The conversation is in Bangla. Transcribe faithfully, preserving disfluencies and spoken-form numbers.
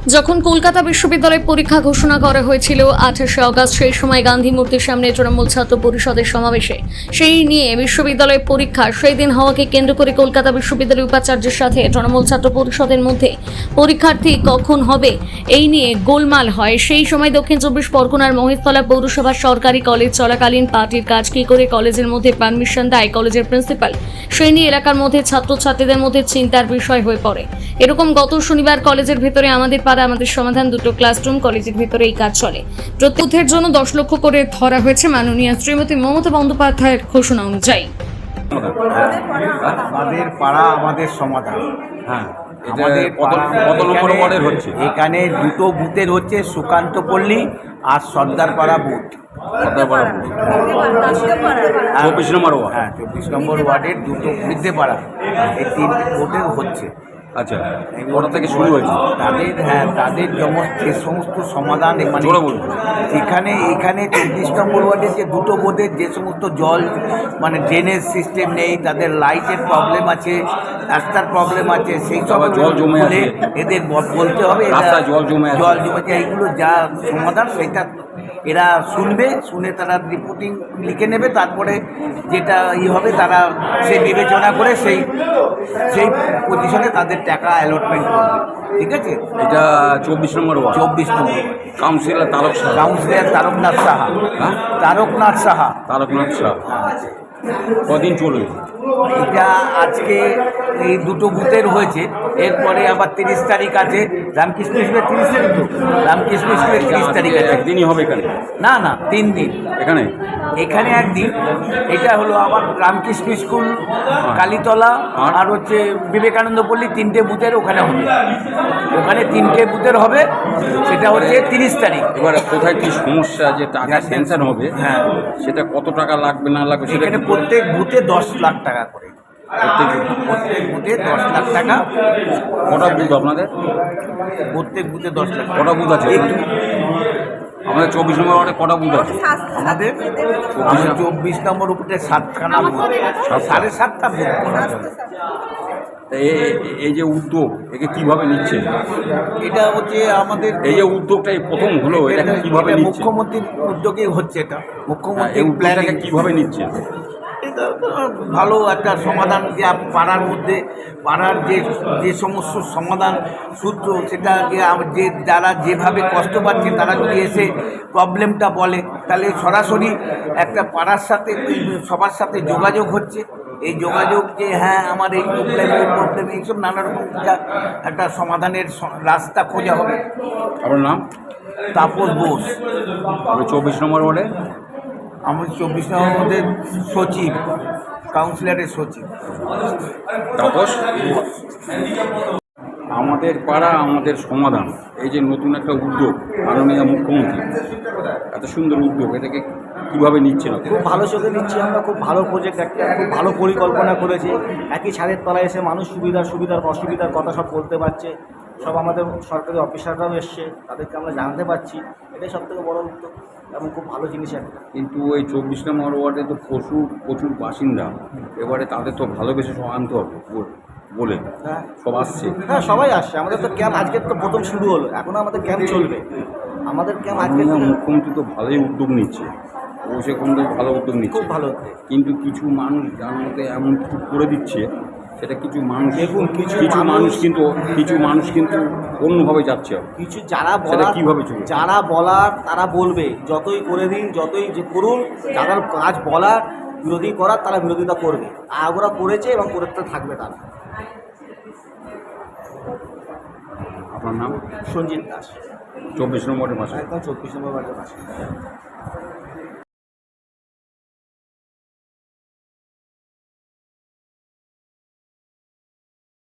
যখন কলকাতা বিশ্ববিদ্যালয় পরীক্ষা ঘোষণা করা হয়েছিল আঠাশে আগস্ট, সেই সময় গান্ধী মূর্তির সামনে তৃণমূল ছাত্র পরিষদের সমাবেশে সেই নিয়ে বিশ্ববিদ্যালয় পরীক্ষা সেই দিন হওয়াকে কেন্দ্র করে কলকাতা বিশ্ববিদ্যালয় উপাচার্যের সাথে তৃণমূল ছাত্র পরিষদের মধ্যে পরীক্ষার্থী কখন হবে এই নিয়ে গোলমাল হয়। সেই সময় দক্ষিণ চব্বিশ পরগনার মহেশতলা পৌরসভার সরকারি কলেজ চলাকালীন পার্টির কাজ কি করে কলেজের মধ্যে পারমিশন দেয় কলেজের প্রিন্সিপাল, সেই নিয়ে এলাকার মধ্যে ছাত্রছাত্রীদের মধ্যে চিন্তার বিষয় হয়ে পড়ে। এরকম গত শনিবার কলেজের ভেতরে আমাদের পাড়া আমাদের সমাধান দুটো ক্লাসরুম, কলেজের ভেতরে এই কাজ চলে। প্রত্যেকের জন্য দশ লক্ষ করে ধরা হয়েছে মাননীয় শ্রীমতী মমতা বন্দ্যোপাধ্যায়ের ঘোষণা অনুযায়ী। আমাদের পাড়া আমাদের সমাধান। হ্যাঁ, আমাদের কত কত নম্বর ওয়ার্ডের হচ্ছে? এখানে দুটো বুথের হচ্ছে, সুকান্ত পল্লী আর সর্দারপাড়া বুথ। সর্দারপাড়া বুথ, চব্বিশ নম্বর ওয়ার্ড। হ্যাঁ, চব্বিশ নম্বর ওয়ার্ডের দুটো বৃদ্ধেপাড়া, এই তিন ভোটের হচ্ছে। আচ্ছা, ওটা থেকে শুরু হয়েছে তাদের, হ্যাঁ তাদের যেমন যে সমস্ত সমাধান মানে এখানে এখানে চব্বিশ নম্বর ওয়ার্ডের যে দুটো বোর্ডের যে সমস্ত জল মানে ড্রেনেজ সিস্টেম নেই, তাদের লাইটের প্রবলেম আছে, রাস্তার প্রবলেম আছে, সেই সব জল জমে আছে, এদের বলতে হবে রাস্তায় জল জমে আছে, জল জমেছে, এইগুলো যা সমাধান সেটা এরা শুনবে, শুনে তারা রিপোর্টিং লিখে নেবে, তারপরে যেটা ই হবে তারা সেই বিবেচনা করে সেই সেই পজিশনে তাদের টাকা অ্যালটমেন্ট করবে। ঠিক আছে, এটা চব্বিশ নম্বর ওয়ার্ড, চব্বিশ number councillor Tarak Saha, councillor Taraknath Saha. হ্যাঁ, তারকনাথ সাহা তারকনাথ সাহা। কদিন চলবে এটা? আজকে এই দুটো বুথের হয়েছে, এরপরে আবার তিরিশ তারিখ আছে রামকৃষ্ণ স্কুলের, তিরিশ তারিখ তো রামকৃষ্ণ স্কুলের তিরিশ তারিখ আছে। একদিনই হবে এখানে? না না, তিন দিন এখানে এখানে একদিন। এটা হলো আবার রামকৃষ্ণ স্কুল, কালীতলা আর হচ্ছে বিবেকানন্দ পল্লী, তিনটে বুথের ওখানে হবে। ওখানে তিনটে বুথের হবে, সেটা হচ্ছে তিরিশ তারিখ। এবার কোথায় কি সমস্যা যে টাকা স্যাংশন হবে, হ্যাঁ সেটা কত টাকা লাগবে না লাগবে সেটা এখানে প্রত্যেক বুথে দশ লাখ টাকা করে, প্রত্যেক বুথে দশ লাখ টাকা। কটা বুথ আপনাদের? প্রত্যেক বুথে দশ লাখ। কটা বুথ আছে আমাদের? চব্বিশ নম্বর ওয়ার্ডে কটা বুথ আছে আমাদের? আমাদের চব্বিশ নম্বর উপরে সাতখানা বুথ, সাড়ে সাতটা বুথ। এই যে উদ্যোগ, একে কিভাবে নিচ্ছে? এটা হচ্ছে আমাদের এই যে উদ্যোগটা এই প্রথম হলো, এটা কিভাবে নিচ্ছে? মুখ্যমন্ত্রীর উদ্যোগে হচ্ছে এটা, মুখ্যমন্ত্রী এই উদ্যোগটাকে কিভাবে নিচ্ছে? এটা ভালো একটা সমাধান, যে পাড়ার মধ্যে পাড়ার যে যে সমস্ত সমাধান সূত্র, সেটাকে যে যারা যেভাবে কষ্ট পাচ্ছে তারা যদি এসে প্রবলেমটা বলে, তাহলে সরাসরি একটা পাড়ার সাথে সবার সাথে যোগাযোগ হচ্ছে। এই যোগাযোগ যে হ্যাঁ আমার এই প্রবলেম এই প্রবলেম এইসব নানা রকম একটা সমাধানের রাস্তা খোঁজা হবে। আপনার নাম? তাপস বোস। আমি চব্বিশ নম্বর ওয়ার্ডে, আমি চব্বিশ নম্বর মধ্যে সচিব, কাউন্সিলরের সচিব তাপস। আমাদের পাড়া আমাদের সমাধান, এই যে নতুন একটা উদ্যোগ মাননীয় মুখ্যমন্ত্রী, এত সুন্দর উদ্যোগ, এটাকে কীভাবে নিচ্ছে না? খুব ভালো চোখে নিচ্ছি আমরা, খুব ভালো প্রজেক্ট, একটা খুব ভালো পরিকল্পনা করেছি। একই ছাদের তলায় এসে মানুষ সুবিধার সুবিধার অসুবিধার কথা সব বলতে পারছে, সব আমাদের সরকারি অফিসাররাও এসছে, তাদেরকে আমরা জানতে পারছি। এটাই সব থেকে বড় উদ্যোগ এবং খুব ভালো জিনিস একটা। কিন্তু এই চব্বিশ নম্বর ওয়ার্ডে তো প্রচুর প্রচুর বাসিন্দা, এবারে তাদের তো ভালোবেসে সব আনতে হবে বলে হ্যাঁ সব আসছে। হ্যাঁ, সবাই আসছে। আমাদের তো ক্যাম্প আজকে তো প্রথম শুরু হলো, এখনও আমাদের ক্যাম্প চলবে। আমাদের ক্যাম্প আজকে মুখ্যমন্ত্রী তো ভালোই উদ্যোগ নিচ্ছে, অভিষেক বন্দ্যোপাধ্যায় ভালো উদ্যোগ নিচ্ছে, খুব ভালো উদ্যোগ। কিন্তু কিছু মানুষ যার মধ্যে এমন কিছু করে দিচ্ছে, সেটা কিছু মানুষ দেখুন, কিছু কিছু মানুষ কিন্তু কিছু মানুষ কিন্তু অন্যভাবে যাচ্ছে। কিছু যারা সেটা বলার কীভাবে চলবে? যারা বলার তারা বলবে, যতই করে দিন যতই যে করুন, যাদের কাজ বলার বিরোধী করার তারা বিরোধিতা করবে, আর ওরা করেছে এবং করতে থাকবে তারা। আপনার নাম? সঞ্জিত দাস, চব্বিশ নম্বরের পাশে। একদম চব্বিশ নম্বর বাড়ির পাশে।